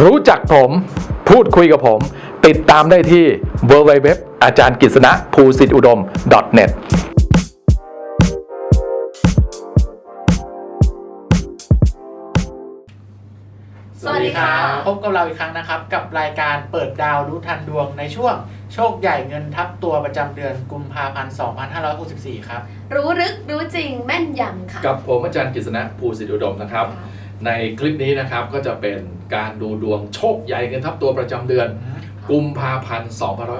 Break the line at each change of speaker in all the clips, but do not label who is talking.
รู้จักผมพูดคุยกับผมติดตามได้ที่ www อาจารย์กฤษณะภูสิทธิอุดม .net
สวัสดีค่ะพบกับเราอีกครั้งนะครับกับรายการเปิดดาวรู้ทันดวงในช่วงโชคใหญ่เงินทับตัวประจำเดือนกุมภาพันธ์ 2564 ครับ
รู้ลึกรู้จริงแม่นยำค่ะ
กับผมอาจารย์กฤษณะภูสิทธิอุดมนะครับในคลิปนี้นะครับก็จะเป็นการดูดวงโชคใหญ่เงินทับตัวประจำเดือนกุมภาพันธ์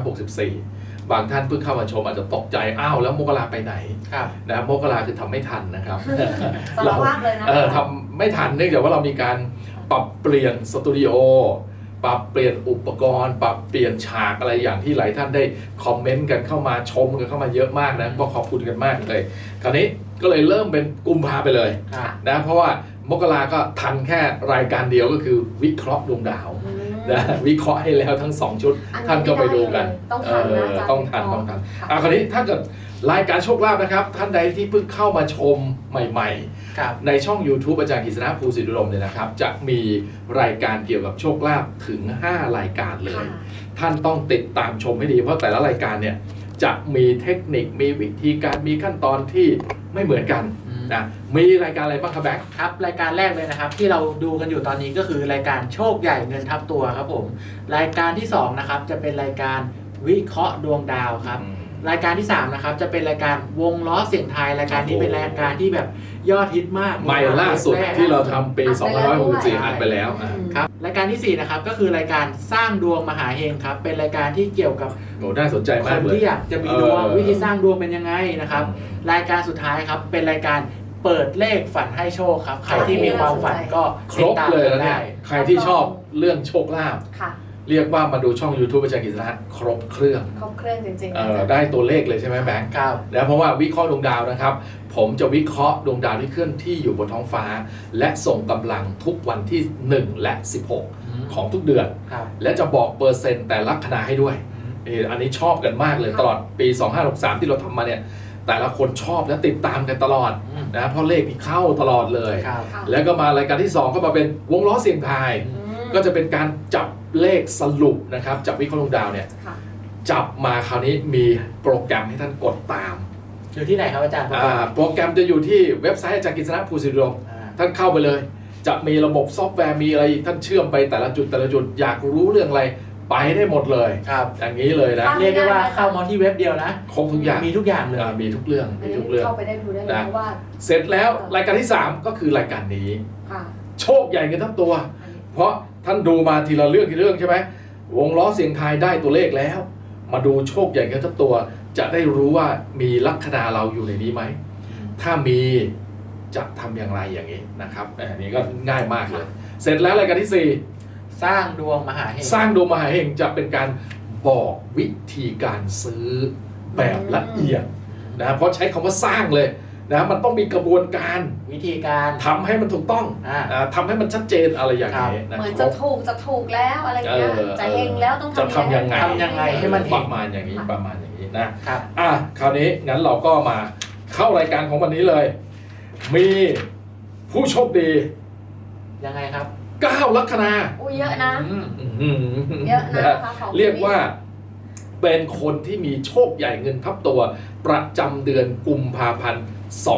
2564 บางท่านเพิ่งเข้ามาชมอาจจะตกใจอ้าวแล้วมกราไปไหนนะมกราคือทำไม่ทันนะครับ
สารภาพเลยนะ
ทำไม่ทันเนื่องจากว่าเรามีการปรับเปลี่ยนสตูดิโอปรับเปลี่ยนอุปกรณ์ปรับเปลี่ยนฉากอะไรอย่างที่หลายท่านได้คอมเมนต์กันเข้ามาชมกันเข้ามาเยอะมากนะก็ขอบคุณกันมากเลยคราวนี้ก็เลยเริ่มเป็นกุมภาไปเลยนะเพราะว่ามกราก็ทันแค่รายการเดียวก็คือวิเคราะห์ดวงดาวนะวิเคราะห์ให้แล้วทั้ง2ชุดท่านก็ไปดูกันต้องทันคราวนี้ถ้าเกิดรายการโชคลาภนะครับท่านใดที่เพิ่งเข้ามาชมใหม่ๆในช่อง YouTube อาจารย์กฤษณะภูสิทธิอุดมเนี่ยนะครับจะมีรายการเกี่ยวกับโชคลาภถึง5รายการเลยท่านต้องติดตามชมให้ดีเพราะแต่ละรายการเนี่ยจะมีเทคนิคมีวิธีการมีขั้นตอนที่ไม่เหมือนกันนะมีรายการอะไรบ้างครับแบงค์
ครับรายการแรกเลยนะครับที่เราดูกันอยู่ตอนนี้ก็คือรายการโชคใหญ่เงินทับตัวครับผมรายการที่2นะครับจะเป็นรายการวิเคราะห์ดวงดาวครับรายการที่3นะครับจะเป็นรายการวงล้อเสียงทายรายการนี้เป็นรายการที่แบบยอดฮิตมาก
ใหม่ล่าสุดที่เราทำปี2564อัดไปแล้ว
ครับรายการที่4นะครับก็คือรายการสร้างดวงมหาเฮงครับเป็นรายการที่เกี่ยวกับ
น่าสนใจมากเลย
คนที่อยากจะมีดวงวิธีสร้างดวงเป็นยังไงนะครับรายการสุดท้ายครับเป็นรายการเปิดเลขฝันให้โชคครับใครที่มีความฝันก็
ครบเลยนะเนี่ยใครที่ชอบเรื่องโชคลาภเรียกว่ามาดูช่อง YouTube อาจารย์กฤษณะครบเครื่อง
จริงๆ
ได้ตัวเลขเลยใช่ไหมแบงค์แล้วเพราะว่าวิเคราะห์ดวงดาวนะครับผมจะวิเคราะห์ดวงดาวที่เคลื่อนที่อยู่บนท้องฟ้าและส่งกำลังทุกวันที่1และ16ของทุกเดือนและจะบอกเปอร์เซ็นต์แต่ละคณะให้ด้วยอันนี้ชอบกันมากเลยตลอดปี2563ที่เราทำมาเนี่ยแต่ละคนชอบและติดตามกันตลอดนะเพราะเลขที่เข้าตลอดเลยแล้วก็มารายการที่2ก็มาเป็นวงล้อเสียงทายก็จะเป็นการจับเลขสรุปนะครับจับวิเคราะห์ดวงดาวเนี่ยจับมาคราวนี้มีโปรแกรมให้ท่านกดตาม
อยู่ที่ไหนครับอาจารย์
โปรแกรมจะอยู่ที่เว็บไซต์อาจารย์กฤษณะภูสิทธิอุดมท่านเข้าไปเลยจะมีระบบซอฟต์แวร์มีอะไรท่านเชื่อมไปแต่ละจุดอยากรู้เรื่องอะไรไปได้หมดเลยอย่างนี้เลยนะ
เรียกได้ว่าเข้ามาที่เว็บเดียวนะ
ครบทุกอย่าง
มีทุกอย่างเลย
มีทุกเรื่อง
เข้าไปได้ดูได้เลยว่า
เสร็จแล้วรายการที่3ก็คือรายการนี้โชคใหญ่เงินทั้งตัวเพราะท่านดูมาทีละเรื่องใช่ไหมวงล้อเสียงทายได้ตัวเลขแล้วมาดูโชคใหญ่เงินทั้งตัวจะได้รู้ว่ามีลัคนาเราอยู่ในนี้ไหมถ้ามีจะทำอย่างไรอย่างนี้นะครับอันนี้ก็ง่ายมากเลยเสร็จแล้วรายการที่4
สร้างดวงมหาเฮง
สร้างดวงมหาเฮงจะเป็นการบอกวิธีการซื้อแบบละเอียดนะเพราะใช้คำว่าสร้างเลยนะมันต้องมีกระบวนการ
วิธีการ
ทำให้มันถูกต้องทำให้มันชัดเจนอะไรอย่างนี้
นะเหมือนจะถูกแล้วอะไรอย่างเงี้ยจะเฮงแล้วต้อง
จะทำยัง
ไงให้มัน
ประมาณอย่างนี้นะคราวนี้งั้นเราก็มาเข้ารายการของวันนี้เลยมีผู้โชคดี
ยังไงครับ
9
ลัคนา
เยอะนะเยอะนะ
เรียกว่าเป็นคนที่มีโชคใหญ่เงินทับตัวประจำเดือนกุมภาพันธ์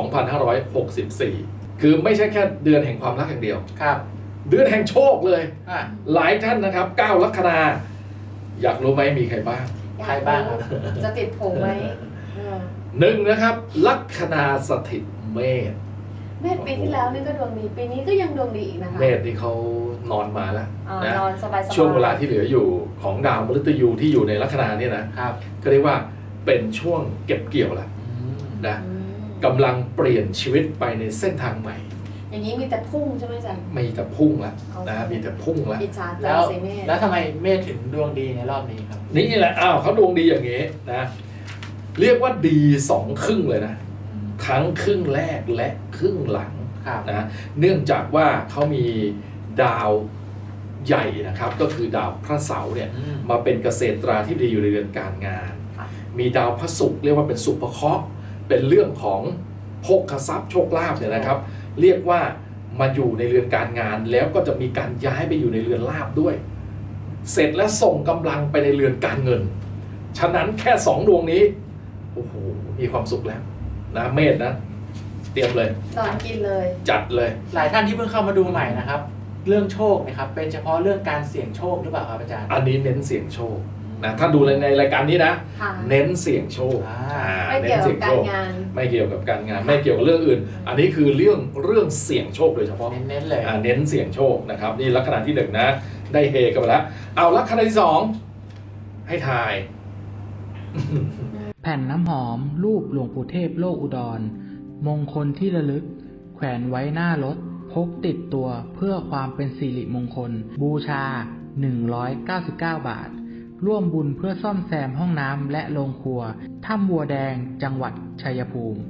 2564คือไม่ใช่แค่เดือนแห่งความรักอย่างเดียวเดือนแห่งโชคเลยหลายท่านนะครับ9ลัคนาอยากรู้ไหมมีใครบ้าง
ครับ
จะติดผมไหม
1นะครับลัคนาสถิตเมษ
ปีที่แล้วนี่ก็ดวงดีปีนี้ก็ยังดวงดีอีกนะคะ
เมษนี่เขานอนมาแล้วนะ
นอนสบาย
ช่วงเวลาที่เหลืออยู่ของดาวมฤตยูที่อยู่ในลัคนาเนี่ยนะก็เรียกว่าเป็นช่วงเก็บเกี่ยวแล้วนะกำลังเปลี่ยนชีวิตไปในเส้นทางใหม่
อย่างนี้มีแต่พุ่งใช่ไหมจ๊ะ
มีแต่พุ่งแล้วนะมีแต่พุ่งแล้ว
แล้วทำไมเมษถึงดวงดีในรอบนี้ครับ
นี่แหละเขาดวงดีอย่างนี้นะเรียกว่าดี2ครึ่งเลยนะทั้งครึ่งแรกและครึ่งหลังนะเนื่องจากว่าเขามีดาวใหญ่นะครับก็คือดาวพระเสาร์เนี่ยมาเป็นเกษตราธิบดีอยู่ในเรือนการงานมีดาวพระศุกร์เรียกว่าเป็นสุภเคราะห์เป็นเรื่องของโภคทรัพย์โชคลาภเนี่ยนะครับเรียกว่ามาอยู่ในเรือนการงานแล้วก็จะมีการย้ายไปอยู่ในเรือนลาภด้วย เสร็จแล้วส่งกำลังไปในเรือนการเงินฉะนั้นแค่2ดวงนี้โอ้โหมีความสุขแล้วนะเมษนะเตรียมเลย
นอนกินเลย
จัดเลย
หลายท่านที่เพิ่งเข้ามาดูใหม่นะครับ เรื่องโชคนะครับเป็นเฉพาะเรื่องการเสี่ยงโชคหรือเปล่าครับอาจารย์
อันนี้เน้นเสี่ยงโชคนะถ้าดูในรายการนี้นะ
ค่ะ
เน้นเสี่ยงโชค
ไม่เกี่ยวกับการงาน
ไม่เกี่ยวกับการงานไม่เกี่ยวกับเรื่องอื่น อันนี้คือเรื่องเสี่ยงโชคโดยเฉพาะ
เน้นๆเลย
เน้นเสี่ยงโชคนะครับนี่ลัคนาที่1นะได้เฮกันไปแล้วเอาลัคนาที่2ให้ทาย
แผ่นน้ำหอมรูปหลวงปู่เทพโลกอุดร มงคลที่ระลึก แขวนไว้หน้ารถ พกติดตัวเพื่อความเป็นสิริมงคล บูชา 199 บาท ร่วมบุญเพื่อซ่อมแซมห้องน้ำและโรงครัว ถ้ำบัวแดงจังหวัดชัยภูมิ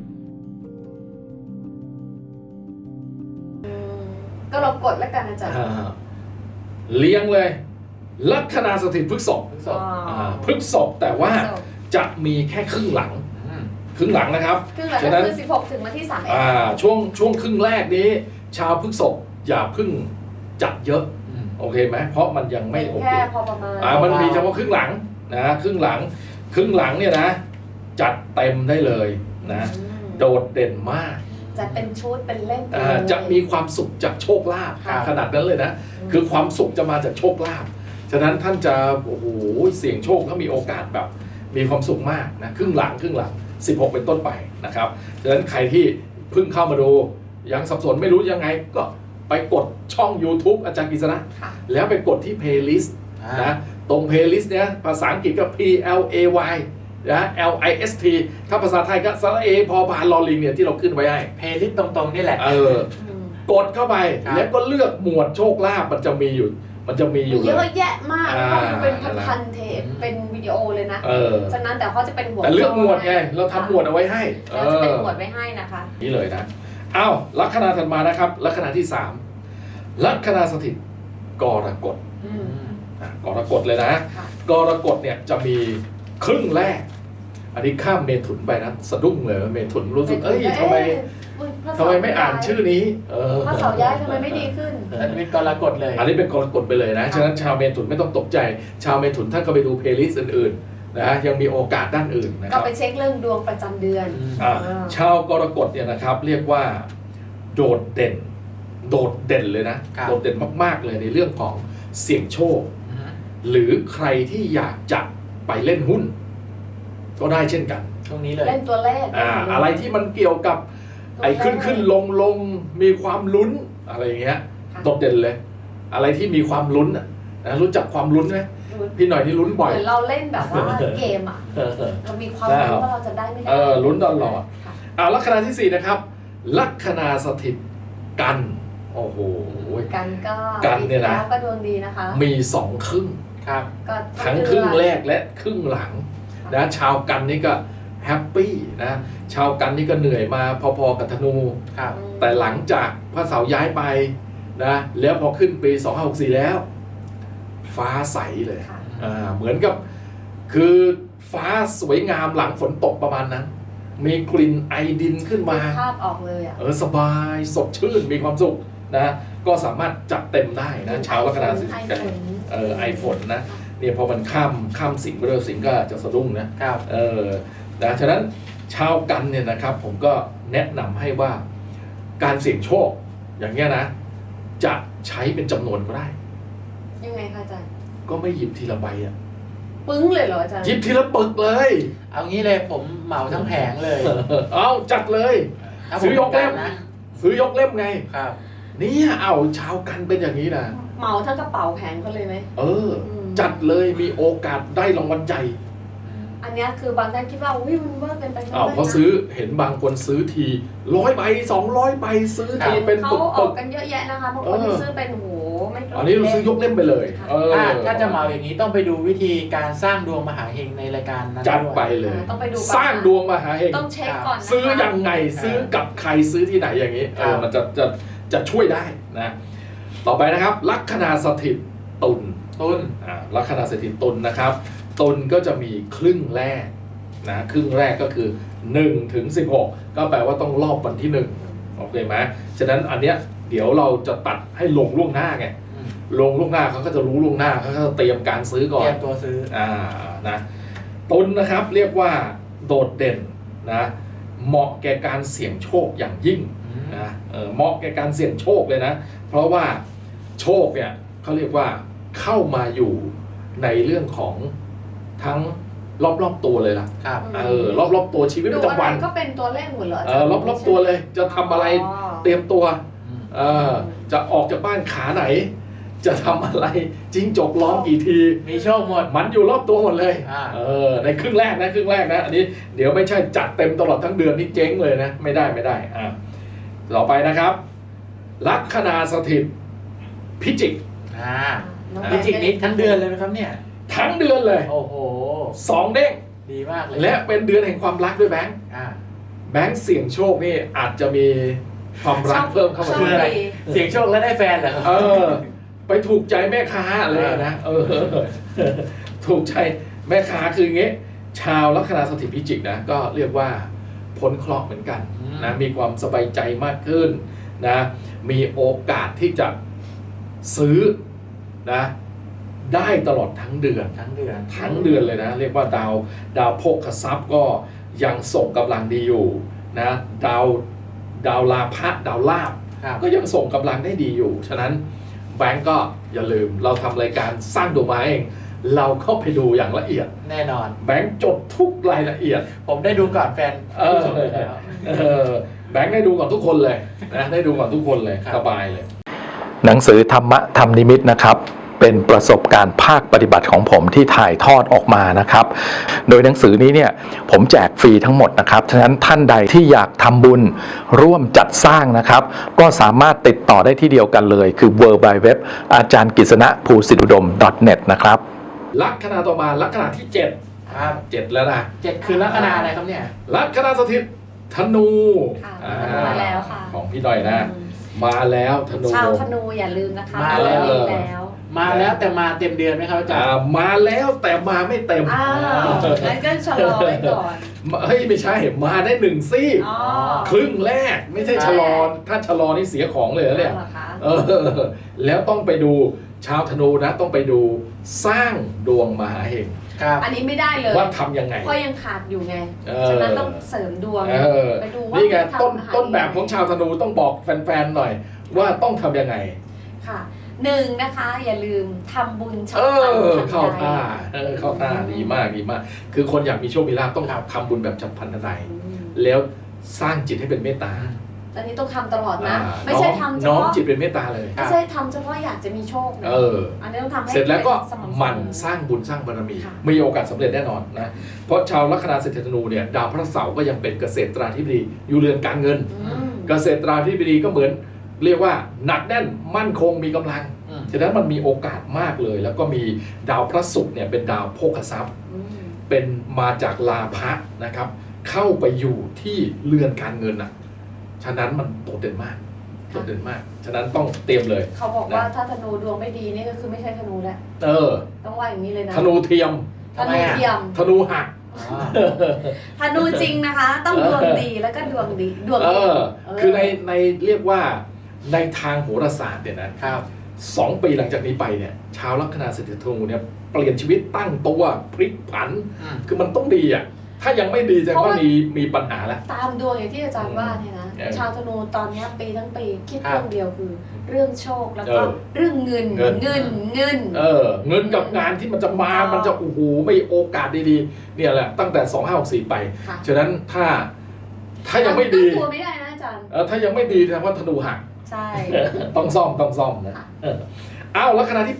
ก็เรากดแล้วกันอาจารย์
เลี้ยงเลยลัคนาสถิตพฤษภ
พฤษภ
พฤษภแต่ว่าจะมีแค่ครึ่งหลังนะครับ
ครึ่งหลัง
ฉะ
ก็
นั้น
คือ16ถึงวันที่31
ช่วงครึ่งแรกนี้ ชาวพฤษภอย่าเพิ่งจัดเยอะโอเคไหมเพราะมันยังไม่โอเค
แค่พอประมาณ
มันมีเฉพาะครึ่งหลังนะครึ่งหลังเนี่ยนะจัดเต็มได้เลยนะโดดเด่นมาก
จะเป็นชุดเป็นเล่ม
จะมีความสุขจากโชคลาภ
ค่ะ
ขนาดนั้นเลยนะคือความสุขจะมาจากโชคลาภฉะนั้นท่านจะโอ้โหเสี่ยงโชคถ้ามีโอกาสแบบมีความสุขมากนะครึ่งหลัง16เป็นต้นไปนะครับฉะนั้นใครที่เพิ่งเข้ามาดูยังสับสนไม่รู้ยังไงก็ไปกดช่อง YouTube อาจารย์กฤษณะ
ค่ะ
แล้วไปกดที่ playlist นะตรง playlist เนี้ยภาษาอังกฤษก็ PLAY นะ LIST ถ้าภาษาไทยก็สระเอพอพานลอลิงเนี่ยที่เราขึ้นไว้ให้
เพลย์ลิสต์ตรงๆนี่แหละ
กดเข้าไป
ครับ
แล้วก็เลือกหมวดโชคลาภมันจะมีอยู่
เยอะแยะมาก
อ่า
เขาเป็นพันๆเทปเป็นวิดีโอเลยนะ ฉะนั้นแต่เขาจะเป็นหัว
แต่เลือกหมวดไงเราทำหมวดเอาไว้ให้
เราจะเป็นหมวดไว้ให้นะคะ
นี่เลยนะอ้าวลัคนาถัดมานะครับลัคนาที่3ลัคนาสถิตกรกฎกรกฎเลยนะ
ค่ะ
กรกฎเนี่ยจะมีครึ่งแรก อันนี้ข้ามเมถุนไปนะสะดุ้งเลยเมถุนรู้สึกทำไมไม่อ่านชื่อนี้
พระเสาย้ายทำไมไม่ดีขึ้น
อันนี้กรกฎเลย
อันนี้เป็นกรกฎไปเลยนะฉะนั้นชาวเมถุนไม่ต้องตกใจ ชาวเมถุนท่านก็ไปดูเพลย์ลิสต์อื่นๆนะยังมีโอกาสด้านอื่นนะค
ก็
รับ
ไปเช็คเรื่องดวงประจำเดือน
ชาวกรกฎเนี่ยนะครับเรียกว่าโดดเด่นเลยนะโดดเด่นมากๆเลยในเรื่องของเสี่ยงโชค หรือใครที่อยากจะไปเล่นหุ้น ก็ได้เช่นกัน
ช่วงนี้เลย
เล่นตัวเลข
อะไรที่มันเกี่ยวกับไอ้ขึ้นลงมีความลุ้นอะไรอย่างเงี้ยโดดเด่นเลย อะไรที่มีความลุ้นนะรู้จักความลุ้นไหมพี่หน่อยนี่ลุ้นบ่อย
เหมือนเราเล่นแบบว่าเกมอ่ะเรามีความรู้ว่าเราจะได้ไม่ได้
ลุ้นตลอดลัคนาที่4นะครับลัคนาสถิตกันโอ้โห
กันเนี่ยนะก็ดวงดีนะคะ
มี2ครึ่ง
ครับ
ทั้งครึ่งแรกและครึ่งหลังนะชาวกันนี่ก็แฮปปี้นะชาวกันนี่ก็เหนื่อยมาพอๆกับธนู
ครับ
แต่หลังจากพระเสาร์ย้ายไปนะแล้วพอขึ้นปี2564แล้ว ฟ้าใสเลยเหมือนกับคือฟ้าสวยงามหลังฝนตกประมาณนั้น มีกลิ่นไอดินขึ้นมา
ภาพออกเลยอ่ะ
สบายสดชื่นมีความสุขนะก็สามารถจัดเต็มได้นะชาวลัคนาสิงห์กันไอฝนนะเนี่ยพอมันข้ามสิงห์ไปเลยสิงห์ก็จะสะดุ้งนะครับนะฉะนั้นชาวกันเนี่ยนะครับผมก็แนะนำให้ว่าการเสี่ยงโชคอย่างเงี้ยนะจะใช้เป็นจำนวนก็ได้
ยังไงคะอาจารย์
ก็ไม่หยิบทีละใบอ่ะ
ปึ้งเลยเหรออาจารย์
หยิบทีละปึกเลย
เอางี้เลยผมเหมาทั้งแผงเลย
เอาจัดเลยซื้อยกเล่มไง
ครับ
นี่เอาชาวกันเป็นอย่างนี้นะ
เหมาทั้งกระเป๋าแผงเขาเลยไหม
จัดเลยมีโอกาสได้รางวัลใหญ่
อันนี้คือบางท่านคิดว่าอุ้ยมันเวอร์เกินไป
เพราะซื้อเห็นบางคนซื้อที100 ใบ 200 ใบซื้อทีเป็น
เขาออกกันเยอะแยะนะคะบางคนซื้อเป็นโหไม่
อันนี้เราซื้อยกเล่มไปเลย
ถ้าจะเหมาอย่างนี้ต้องไปดูวิธีการสร้างดวงมหาเฮงในรายการนั้น
จัดไปเลย
ต้องไปดู
สร้างดวงมหาเฮง
ต้องเช็คก่อน
ซื้อยังไงซื้อกับใครซื้อที่ไหนอย่างนี้มันจะช่วยได้นะต่อไปนะครับลัคนาสถิตตุลลัคนาสถิตตุลนะครับตุลก็จะมีครึ่งแรกนะครึ่งแรกก็คือ1 ถึง 16ก็แปลว่าต้องรอบวันที่1โอเคไหมฉะนั้นอันเนี้ยเดี๋ยวเราจะตัดให้ลงล่วงหน้าไง
อืม
ลงล่วงหน้าเขาก็จะรู้ล่วงหน้าเขาก็จะเตรียมการซื้อก่อ
เตรี
น
ยมตัวซื้อ
นะตุลนะครับเรียกว่าโดดเด่นนะเหมาะแก่การเสี่ยงโชคอย่างยิ่งนะเหมาะแก่การเสี่ยงโชคเลยนะเพราะว่าโชคเนี่ยเขาเรียกว่าเข้ามาอยู่ในเรื่องของทั้งรอบๆตัวเลยล่ะ
ครับ
รอบๆตัวชีวิต
ดู
ประ
อะ
จำ
ไร
วัน
ก็เป็นตัวเลขหมดเหรอ
รอบๆตัวเลยจะทำอะไรเตรียมตัว
อืม
จะออกจากบ้านขาไหน จะทำอะไรจิ้งจกร้องกี่ที
มีโชคหมด
มันอยู่รอบตัวหมดเลย
อ่า
ในครึ่งแรกนะอันนี้เดี๋ยวไม่ใช่จัดเต็มตลอดทั้งเดือนนี่เจ๊งเลยนะไม่ได้ต่อไปนะครับ ลัคนาสถิตพิจิก
น้อง
พิจิก
แบงค์
นี้ทั้งเดือนเลยไหมครับเนี่ย
ทั้งเดือนเลย
โอ้โห
2 เด้ง
ดีมากเลย
และเป็นเดือนแห่งความรักด้วยแบงค์
อ่า
แบงค์เสี่ยงโชคนี่อาจจะมีความรักเพิ่มเข้ามา
โช
คือ
ค
อะไร
ดี
เสียงโชคแล้วได้แฟนเหรอครับ
ไปถูกใจแม่ค้าเลยนะถูกใจแม่ค้าคืออย่างงี้ ชาวลัคนาสถิตพิจิกนะก็เรียกว่าพ้นเคราะห์เหมือนกันนะมีความสบายใจมากขึ้นนะมีโอกาสที่จะซื้อนะได้ตลอดทั้งเดือน
ทั้งเดือน
ทั้งเดือนเลยนะเรียกว่าดาวโภคทรัพย์ก็ยังส่งกำลังดีอยู่นะดาวลาภะดาวลาภ
ครับ
ก็ยังส่งกำลังได้ดีอยู่ฉะนั้นแบงก์ก็อย่าลืมเราทำรายการสร้างดวงไม้เองเราเข้าไปดูอย่างละเอียด
แน่นอน
แบงก์จดทุกรายละเอียด
ผมได้ดูก่อนแฟนผู้ชมอยู่แล้ว
แบงก์ได้ดูก่อนทุกคนเลยนะได้ดูก่อนทุกคนเลย
ครับ
สบายเลย
หนังสือธรรมะธรรมนิมิตนะครับเป็นประสบการณ์ภาคปฏิบัติของผมที่ถ่ายทอดออกมานะครับโดยหนังสือนี้เนี่ยผมแจกฟรีทั้งหมดนะครับฉะนั้นท่านใดที่อยากทำบุญร่วมจัดสร้างนะครับก็สามารถติดต่อได้ที่เดียวกันเลยคือ www อาจารย์กฤษณะภูสิทธิอุดม .net นะครับ
ลัคนาต่อมาลัคนาที่7
ครับ
7แล้วนะ
7คือลัคนาอะไรครับเนี่ย
ลัคนาสถิตธนู
ค่ะ
อ่
มาแล้วค่ะ
ของพี่หน่อยนะ มาแล้วธนู
ชาวธนูอย่าลืมนะคะ
มาแล้ว
เดือนนี้แล้ว
มาแล้วแต่มาเต็มเดือนไหมครับอาจารย์
มาแล้วแต่มาไม่เต็ม
อ้าวงั้นก็ชะลอไว้ก่อน
เฮ้ยไม่ใช่มาได้1 ซี่
อ๋อ
ครึ่งแรกไม่ใช่ชะลอถ้าชะลอนี่เสียของเลยนะเนี่ย
อาหรอคะ
แล้วต้องไปดูชาวธนูนะต้องไปดูสร้างดวงมหาเฮง
ครับ
อันนี้ไม่ได้เลย
ว่าทำยังไง
เพราะยังขาดอยู่ไง
เอ
ฉะนั้นต้องเสริมดวง
เออ
ไปดูว่า
นี่ไง
ทำ
ต้นแบบของชาวธนูต้องบอกแฟนๆหน่อย ว่าต้องทำยังไง
ค่ะ1นะคะ อย่าลืมทำบุญฉับ
เข้า
พลันทันใด
ท่าเข้าท่าดีมากดีมาก คือคนอยากมีโชคมีลาภต้อง
ครับ
ทำบุญแบบฉับพลันทันใด
อืม
แล้วสร้างจิตให้เป็นเมตตา
อันนี้ต้องทำตลอดนะ
อ่า
ไม่ใช่ทำเฉ
น้อม
พาะ
จิตเป็นเมตตาเลย
ไม่ใช่ทำเฉพาะอยากจะมีโชคนะ
เออ
อันนี้ต้องทำให้
เสร็จแล้วก็
สม่ำเส
หมัน
อ
สร้างบุญสร้างบารมี
ค่ะ
มีโอกาสสำเร็จแน่นอนนะเพราะชาวลัคนาเศรษฐธนูเนี่ยดาวพระเสาร์ก็ยังเป็นเกษตราธิบดีอยู่เรือนการเงิน
อืม
เกษตราธิบดีก็เหมือนเรียกว่าหนักแน่นมั่นคงมีกำลัง
อืม
ฉะนั้นมันมีโอกาสมากเลย แล้วก็มีดาวพระศุกร์เนี่ยเป็นดาวโภคทรัพย์
อืม
เป็นมาจากลาภะนะครับ เข้าไปอยู่ที่เรือนการเงินอ่ะฉะนั้นมันโดดเด่นมากโดดเด่นมากฉะนั้นต้องเตรียมเลย
เขาบอกว่าถ้าธนูดวงไม่ดีนี่ก็คือไม่ใช่ธนูแล้ว ต้องว่าอย่างนี้เลยนะ
ธนูเทียม
ธนูเทียม
ธนูหัก
อ๋อ
ธนูจริงนะคะ ต้องดวงดีแล้วก็ดวงดีดวง
เอ
ดี
อคือในเรียกว่าในทางโหราศาสตร์เนี่ยนะครับ 2 ปีหลังจากนี้ไปเนี่ยชาวลัคนาเศรษฐธนูเนี่ยเปลี่ยนชีวิตตั้งตัวพลิกผัน
อืม
คือมันต้องดีอ่ะถ้ายังไม่ดีแสดงว่ามีปัญหาแล้ว
ตามดวงอย่างที่อาจารย์ว่าเนี่ยนะ
เออ
ชาวธนูตอนเนี้ยปีทั้งปีคิด
ครับ
เรื่องเดียวคือ เรื่องโชคแล้วก็
เออ
เรื่องเงิน
เงิน
เงิน
เงินกับงานที่มันจะมามันจะโอ้โหไม่โอกาสดีๆเนี่ยแหละตั้งแต่2564ไป
ค่ะ
ฉะนั้นถ้ายังไม่ดี
ตั้งตัวไม่ได้นะอาจารย์
ถ้ายังไม่ดีแสดงว่าธนูหัก
ใช่
ต้องซ่อมนะ
ค่ะ
อ้าวลัคนาที่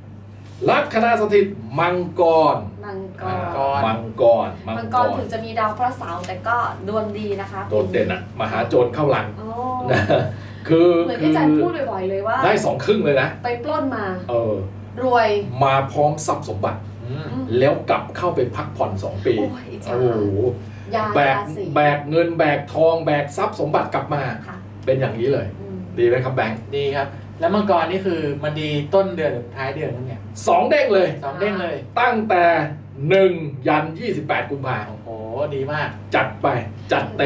8 ลัคนาสถิตมังกร
มังก
มังก
ร
ร
มังกรถึงจะมีดาวพระเสาร์แต่ก็ดวงดีนะคะ
โดดเด่นอ่ะมหาโจรเข้าหลัง
โอ้
นะคือ
เหมือนที่อาจารย์พูดบ่อยๆเลยว่า
ได้2 ครึ่งเลยนะ
ไปปล้นมา รวย
มาพร้อมทรัพย์สมบัติ
อืม
อืม
แล้วกลับเข้าไปพักผ่อน2 ปี
โอ้ยอิจฉา
โอ้โห
ยา
แบก
ราศี
แบกเงินแบกทองแบกทรัพย์สมบัติกลับมา
ค่ะ
เป็นอย่างนี้เลย
อืม
ดีไหมครับแบงค์
ดีครับ แล้วมังกรนี่คือมันดีต้นเดือนหรือท้ายเดือนนั่นเนี่ย
2 เด้งเลย
สองเด้งเลย
ตั้งแต่ 1 ยัน 28 กุมภาพันธ์
โอ้โหดีมาก
จัดไปจัดเต็ม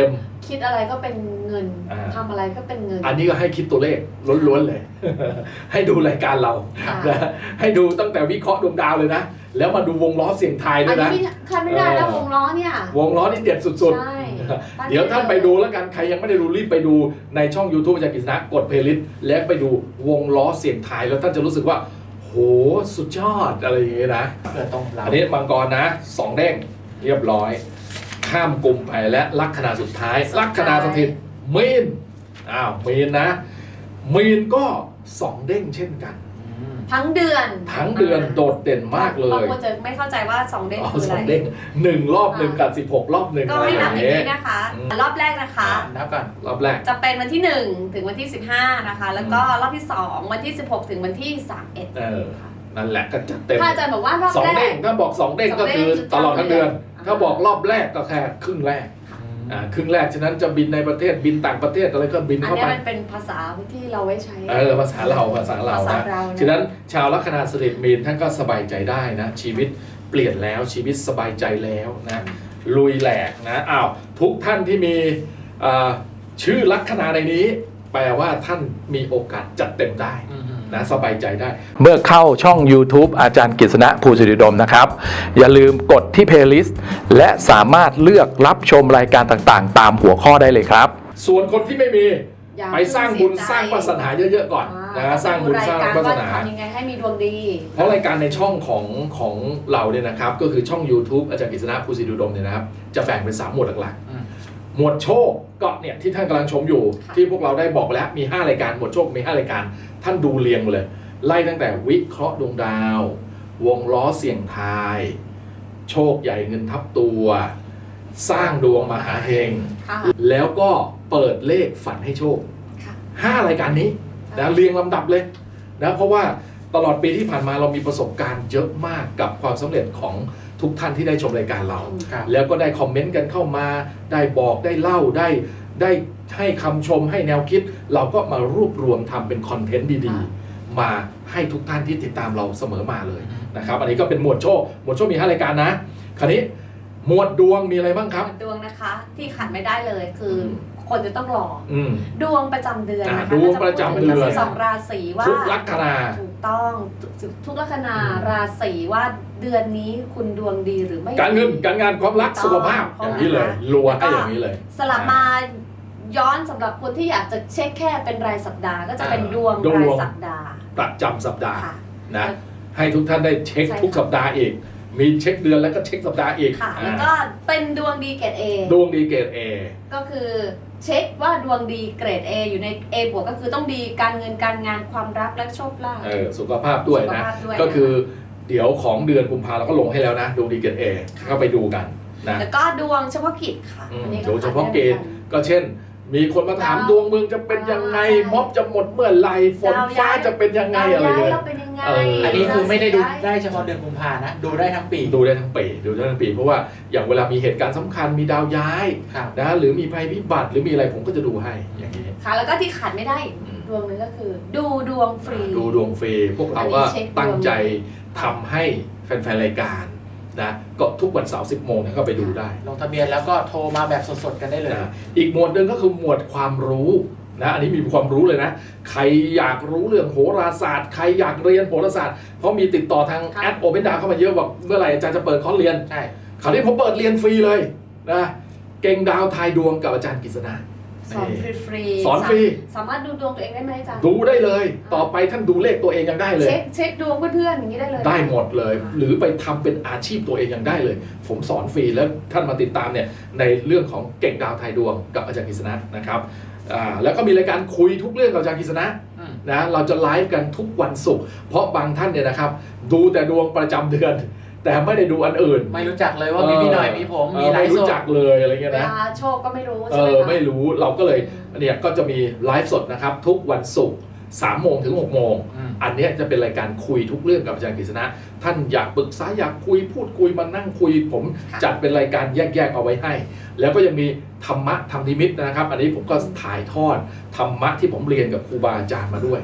คิดอะไรก็เป็นเงิน
อ่า
ทำอะไรก็เป็นเงิน
อันนี้ก็ให้คิดตัวเลขล้วนๆเลย ให้ดูรายการเรา
ค่ะ
นะให้ดูตั้งแต่วิเคราะห์ดวงดาวเลยนะ แล้วมาดูวงล้อเสียงทายด้
อั
วน ย
นี้
นะ
คันไม่ได้แล้ววงล้อเนี่ย
วงล้อนี่เด็ดสุด
ใช่
ๆ เดี๋ยวท่านไปดูแล้วกัน ใครยังไม่ได้ดูรีบไปดูในช่อง YouTube อาจารย์กฤษณะกดเพลย์ลิสต์แล้วไปดูวงล้อเสียงทายแล้วท่านจะรู้สึกว่าโหสุดยอดอะไรอย่างเงี้ยนะ
เพื่อต้องเรา
อันนี้มังกรนะ2 เด้งเรียบร้อย ข้ามกลุ่มไปและลัคนาสุดท้าย ลัคนาสถิตมีนมีนนะ มีนก็2 เด้งเช่นกัน
ทั้งเดือน
ทั้งเดือนโดดเด่นมากเล
บาง
ย
คนจะไม่เข้าใจว่า2เด้ง
อ๋อ
คือ
ส
อะ
อง
ไร
เด้ง1 รอบ 1 กับ 16 รอบ 1
ก็
อะไร
ให้
อ
นั
ย่า
บ
ง
อย่าง
เงี้ย
นี้นะคะ รอบแรกนะคะ
นับก่อน
รอบแรก
จะเป็นวันที่ 1 ถึงวันที่ 15 นะคะ แล้วก็รอบที่ 2 วันที่ 16 ถึงวันที่ 31
นั่นแหละก็จัดเต็ม
ถ้าอาจารย์บอกว่ารอบ
สอง
แร
เด้ง
ก
ถ้าบอก2 เด้งก็คือตลอดทั้งเดือน ถ้าบอกรอบแรกก็แค่ครึ่งแรกครึ่งแรกฉะนั้นจะบินในประเทศบินต่างประเทศอะไรก็บิน
อัน
เข้า
นี้
ไป
มันเป็นภาษาที่เราไว้ใช้
ภาษาเรา
ภาษาเรานะ
ฉะนั้นชาวลัคนาสถิตมีนท่านก็สบายใจได้นะชีวิตเปลี่ยนแล้วชีวิตสบายใจแล้วนะลุยแหลกนะทุกท่านที่มีชื่อลัคนาในนี้ แปลว่าท่านมีโอกาสจัดเต็มได้นะสบายใจได้
เมื่อเข้าช่อง YouTube อาจารย์กฤษณะภูสิริดมนะครับ อย่าลืมกดที่ Playlist และสามารถเลือกรับชมรายการต่างๆ ตามหัวข้อได้เลยครับ
ส่วนคนที่ไม่มี
อย่า
ไปสร้างบุญ
เพิ่งเสียใจ
สร้างวาสนาเยอะๆก่อนนะสร้างบุญสร้างวาสนา
ทำยังไงให้มีดวงดี
เพราะรายการในช่องของเราเนี่ยนะครับก็คือช่อง YouTube อาจารย์กฤษณะภูสิริดมเนี่ยนะครับจะแบ่งเป็น3 หมวดหลักๆหมวดโชคก็เนี่ยที่ท่านกำลังชมอยู่
ค่ะ
ที่พวกเราได้บอกไปแล้วมี5 รายการหมวดโชคมี5 รายการท่านดูเรียงมาเลยไล่ตั้งแต่วิเคราะห์ดวงดาว วงล้อเสี่ยงทาย โชคใหญ่เงินทับตัว สร้างดวงมหาเฮง
ค่ะ
แล้วก็เปิดเลขฝันให้โชค
ค่ะ
5 รายการนี้นะเรียงลำดับเลยนะเพราะว่าตลอดปีที่ผ่านมาเรามีประสบการณ์เยอะมากกับความสำเร็จของทุกท่านที่ได้ชมรายการเรา
ครับ
แล้วก็ได้คอมเมนต์กันเข้ามาได้บอกได้เล่าได้ให้คำชมให้แนวคิด เราก็มารวบรวมทำเป็นคอนเทนต์ดีๆ มาให้ทุกท่านที่ติดตามเราเสมอมาเลยนะครับอันนี้ก็เป็นหมวดโชคมี 5 รายการนะคราวนี้หมวดดวงมีอะไรบ้างครับ
ดวงนะคะที่ขาดไม่ได้เลยคือคนจะต้องรอ ดวงประจำเดือนนะคะ
ดวงประจำเดือน
ก็จะพูถึง12 ราศีว่า
ทุกลัคนา
ถูกต้องทุกลัคนาราศีว่าเดือนนี้คุณดวงดีหรือไม่
การเงินการงานความรักสุขภาพอย่างนี้เลยรัวให้อย่างนี้เลย
สลับมาย้อนสำหรับคนที่อยากจะเช็คแค่เป็นรายสัปดาห์ก็จะเป็นดวง
ดวง
รายสัปดาห์
ประจำสัปดาห์
ค่ะ
นะให้ทุกท่านได้เช็ค
ใช่ค่ะ
ทุกสัปดาห์อีกมีเช็คเดือนแล้วก็เช็คสัปดาห์อีก
ค่ะแล้วก็เป็นดวงดีเกรด A
ดวงดีเกรด A
ก็คือเช็คว่าดวงดีเกรด A อยู่ใน A บวกก็คือต้องดีการเงินการงานความรักและโชคลาภ
สุขภาพด้วยนะ
สุขภาพด้วย
ก็คือเดี๋ยวของเดือนกุมภาเราก็ลงให้แล้วนะดวงดีเกรด A ก็ไปดูกันนะ
แล้วก็ดวงเฉพาะกิจค่ะอันนี้
โดยเฉพาะเกณฑ์ก็เช่น มีคนมาถามดวงเมืองจะเป็นยังไงม็อบจะหมดเมื่อไหร่ฝนฟ้าจะเป็นยังไงอะไร
ย้าย
เลย
เราเป็นยังไง
อันนี้คือไม่ได้ดูได้เฉพาะเดือนกุมภานะ ดูได้ทั้งปี
ดูได้ทั้งปีเพราะว่าอย่างเวลามีเหตุการณ์สำคัญมีดาวย้าย
ครับ
นะหรือมีภัยพิบัติหรือมีอะไรผมก็จะดูให้อย่างนี้
ค่ะแล้วก็ที่ขาดไม่ได้ดวงหนึงก็คือ ดูดวงฟรี
ดูดวงฟรีพวกเราก็
อันนี้เช็คดวง
ตั้งใจทำให้แฟนๆรายการนะก็ทุกวันเสาร์ 10 โมงก็ไปดูได้
ลงทะเบียนแล้วก็โทรมาแบบสดๆกันได้เลย
นะอีกหมวดหนึ่งก็คือหมวดความรู้นะอันนี้มีความรู้เลยนะใครอยากรู้เรื่องโหราศาสตร์ใครอยากเรียนโหราศาสตร์เพราะมีติดต่อทางแอดโอเปนดาเข้ามาเยอะบอกเมื่อไหร่อาจารย์จะเปิดคอร์สเรียน
ใช่
คราวนี้ผมเปิดเรียนฟรีเลยนะเก่งดาวทายดวงกับอาจารย์กฤษณะ
สอนฟรีๆ
สอนฟรี
สามารถดูดวงตัวเองได้ไหมอาจารย์
ดูได้เลย ต่อไปท่านดูเลขตัวเองยังได้เลย
เช็คดวงเพื่อนๆอย่างนี้ได้เลย
ได้หมดเลย หรือไปทำเป็นอาชีพตัวเองยังได้เลย ผมสอนฟรีแล้วท่านมาติดตามเนี่ยในเรื่องของเก่งดาวทายดวงกับอาจารย์กฤษณะนะครับแล้วก็มีรายการคุยทุกเรื่องกับอาจารย์กฤษณะนะเราจะไลฟ์กันทุกวันศุกร์เพราะบางท่านเนี่ยนะครับดูแต่ดวงประจำเดือน แต่ไม่ได้ดูอันอื่น
ไม่รู้จักเลยว่ามีพี่หน่อยมีผมมีไล
ไม่
ฟ์
รู้
สด
จักเลยอะไรเงี้ย
เว
นะ
ลาโชคก็ไม่รู้ใช่ไหมคะ
ไม่รู้เราก็เลยเนี่ยก็จะมีไลฟ์สดนะครับทุกวันศุกร์3 โมงถึง 6 โมง อันเนี้ยจะเป็นรายการคุยทุกเรื่องกับอาจารย์กฤษณะท่านอยากปรึกษาอยากคุยพูดคุยมานั่งคุยผมจัดเป็นรายการแยกๆเอาไว้ให้ แล้วก็ยังมีธรรมะธรรมนิมิตนะครับ อันนี้ผมก็ถ่ายทอดธรรมะที่ผมเรียนกับครูบาอาจารย์มาด้วย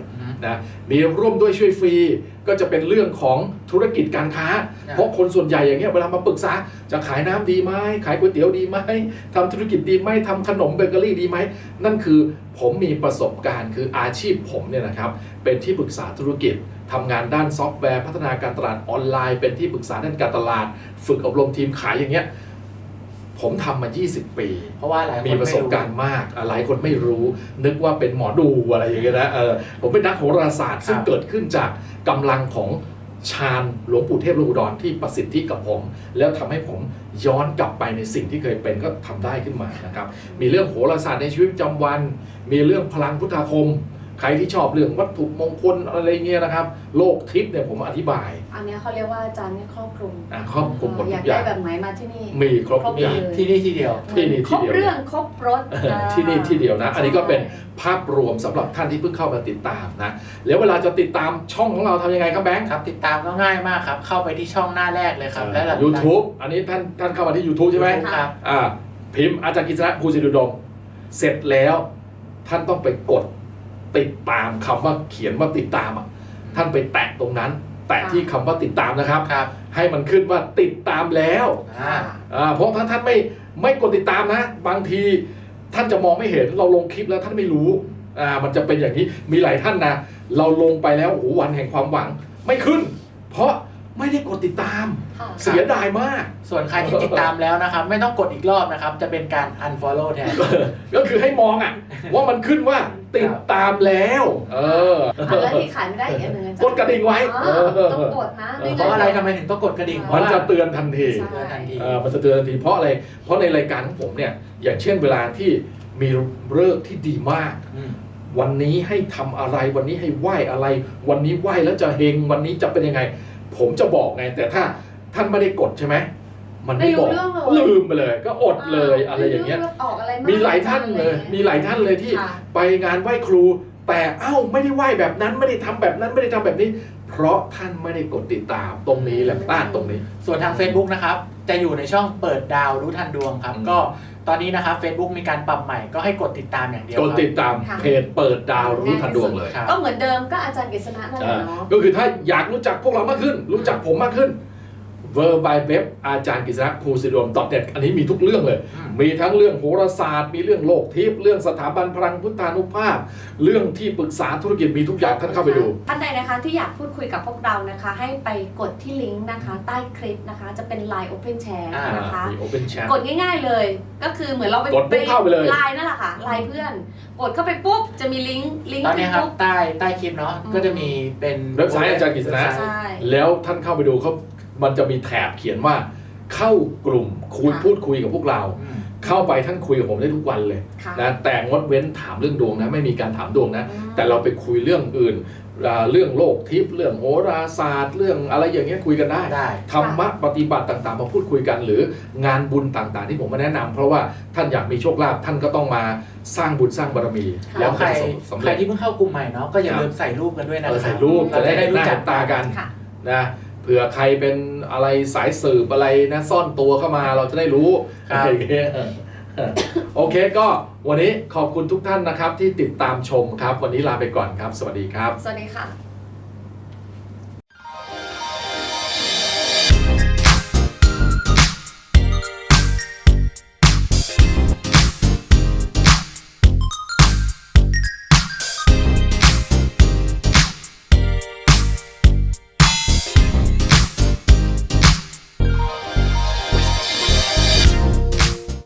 นะมีร่วมด้วยช่วยฟรีก็จะเป็นเรื่องของธุรกิจการค้าเพราะคนส่วนใหญ่อย่างเงี้ยเวลามาปรึกษาจะขายน้ำดีไหมขายก๋วยเตี๋ยวดีไหมทำธุรกิจดีไหมทำขนมเบเกอรี่ดีไหมนั่นคือผมมีประสบการณ์คืออาชีพผมเนี่ยนะครับเป็นที่ปรึกษาธุรกิจทำงานด้านซอฟต์แวร์พัฒนาการตลาดออนไลน์เป็นที่ปรึกษาด้านการตลาดฝึกอบรมทีมขายอย่างเงี้ยผมทำมา20 ปี
เพราะว่าหลายคน
มีประสบการณ์มากหลายคนไม่รู้นึกว่าเป็นหมอดูอะไรอย่างเงี้ยนะผมเป็นนักโหราศาสตร์ซึ่งเกิดขึ้นจากกำลังของฌานหลวงปู่เทพโลกอุดรที่ประสิทธิกับผมแล้วทำให้ผมย้อนกลับไปในสิ่งที่เคยเป็นก็ทำได้ขึ้นมานะครับมีเรื่องโหราศาสตร์ในชีวิตประจำวันมีเรื่องพลังพุทธาคมใครที่ชอบเรื่องวัตถุมงคลอะไรเงี้ยนะครับโลกทิพย์เนี่ยผมอธิบาย
อันเนี้ยเขาเรียกว่าอาจารย์เนี่ยครอบคลุม
ครอบคลุมหมด
อ
ทุ
ยาก
กอ
ได้
ย่าง
แบบไหนมาที่นี่
มีครบทุกอย่าง
ที่นี่ที่เดียว
ที่นี่ที่เดียว
ครบเรื่องครบรถ
ที่นี่ที่เดียวนะอันนี้ก็เป็นภาพรวมสำหรับท่านที่เพิ่งเข้ามาติดตามนะแล้วเวลาจะติดตามช่องของเราทำยังไงครับแบงค์
ครับติดตามก็ง่ายมากครับเข้าไปที่ช่องหน้าแรกเลยครับและหลัง
YouTube อันนี้ท่านเข้ามาที่ YouTube ใช่ไหม
ครับ
พิมพ์อาจารย์กฤษณะภูสิริอุดมเสร็จแล้วท่านต้องไปกดติดตามคำว่าเขียนว่าติดตามอ่ะท่านไปแตะตรงนั้น แตะที่คำว่าติดตามนะครับ
ครับ
ให้มันขึ้นว่าติดตามแล้ว
อ่า
เพราะถ้าท่านไม่กดติดตามนะ บางทีท่านจะมองไม่เห็นเราลงคลิปแล้วท่านไม่รู้มันจะเป็นอย่างนี้มีหลายท่านนะเราลงไปแล้วโอ้โหวันแห่งความหวังไม่ขึ้น เพราะไม่ได้กดติดตาม
ค่ะ
เสียดายมาก
ส่วนใครที่ติดตามแล้วนะครับ ไม่ต้องกดอีกรอบนะครับ จะเป็นการ unfollow แทน
ก็คือให้มองว่ามันขึ้นว่าติดตามแล้ว
แล้วที่ขายไม่ได้อีกอันหนึ่งอาจารย์
กดกระดิ่งไว้
ต้องกดนะไม่
เพ
งั้น
ราะอะไรทำไมถึงต้องกดกระดิ่ง
มันจะเตือนทันที
ใช่
ทันที
มันจะเตือนทันทีเพราะอะไรเพราะในรายการของผมเนี่ยอย่างเช่นเวลาที่มีฤกษ์ที่ดีมาก วันนี้ให้ทำอะไรวันนี้ให้ไหว้อะไร วันนี้ไหว้แล้วจะเฮงวันนี้จะเป็นยังไง ผมจะบอกไงแต่ถ้าท่านไม่ได้กดใช่ไหมมันไม่บอกลืมไปเลย ก็อดเลยอะไรอย่างเงี้ย
ออกอะไร
มีหลายท่านเลยที่ไปงานไหว้ครู แต่ไม่ได้ไหว้แบบนั้นไม่ได้ทำแบบนั้นไม่ได้ทำแบบนี้ เพราะท่านไม่ได้กดติดตามตรงนี้แหละพลาดตรงนี้
ส่วนทาง Facebook นะครับจะอยู่ในช่องเปิดดาวรู้ทันดวงครับก็ตอนนี้นะครับ Facebook มีการปรับใหม่ก็ให้กดติดตามอย่างเดียว
กดติดตามเพจเปิดดาวรู้ทันดวงเลย
ก็เหมือนเดิมก็อาจารย์กฤษณะนั่นแหละเนาะ
ก็คือถ้าอยากรู้จักพวกเรามากขึ้น รู้จักผมมากขึ้น www อาจารย์กฤษณะภูสิริอุดม .net อันนี้มีทุกเรื่องเลย มีทั้งเรื่องโหราศาสตร์มีเรื่องโลกทิพย์เรื่องสถาบันพลังพุทธานุภาพ เรื่องที่ปรึกษาธุรกิจมีทุกอย่างท่านเข้าไปดู
ท่านใดนะคะที่อยากพูดคุยกับพวกเรานะคะ ให้ไปกดที่ลิงก์นะคะ ใต้คลิปนะคะ จะเป็น Line Open Chat นะคะ
มี Open Chat
กดง่ายๆเลย ก็คือเหมือนเราไป
กดปุ๊บเข้าไปเลย
ไลน์นั่นแหละค่ะไลน์เพื่อน กดเข้าไปปุ๊บจะมีลิงก์
ตอนนี้ครับ
ปุ๊บ
ใต้คลิปเนาะก็จะมีเป็น
เว็บไซต์อาจารย์กฤษณะ
ใช่
แล้วท่านเข้าไปดูมันจะมีแถบเขียนว่าเข้ากลุ่มพูดคุยกับพวกเรา เข้าไปท่านคุยกับผมได้ทุกวันเลย
ค่ะ
นะแต่งดเว้นถามเรื่องดวงนะไม่มีการถามดวงนะแต่เราไปคุยเรื่องอื่นเรื่องโลกทิพย์เรื่องโหราศาสตร์เรื่องอะไรอย่างเงี้ยคุยกันได้ ธรรมะปฏิบัติต่างๆมาพูดคุยกันหรืองานบุญต่างๆที่ผมมาแนะนำเพราะว่าท่านอยากมีโชคลาภท่านก็ต้องมาสร้างบุญสร้างบารมี
แล้วใคร
สำ
ใคร
เร็จ
ที่เพิ่งเข้ากลุ่มใหม่เนาะก็อย่าลืมใส่รูปกันด้วยนะค
ใส่รูป
เรา
จะ
จะ
ได้
ได้
ห
รู้
น้า
จั
เห็
ก
นตากัน
ค่ะ
นะเผื่อใครเป็นอะไรสายสืบอะไรนะซ่อนตัวเข้ามาเราจะได้รู้อะไรอย่างเงี้ยโอเคก็วันนี้ขอบคุณทุกท่านนะครับที่ติดตามชมครับวันนี้ลาไปก่อนครับสวัสดีครับ
สวัสดีค่ะ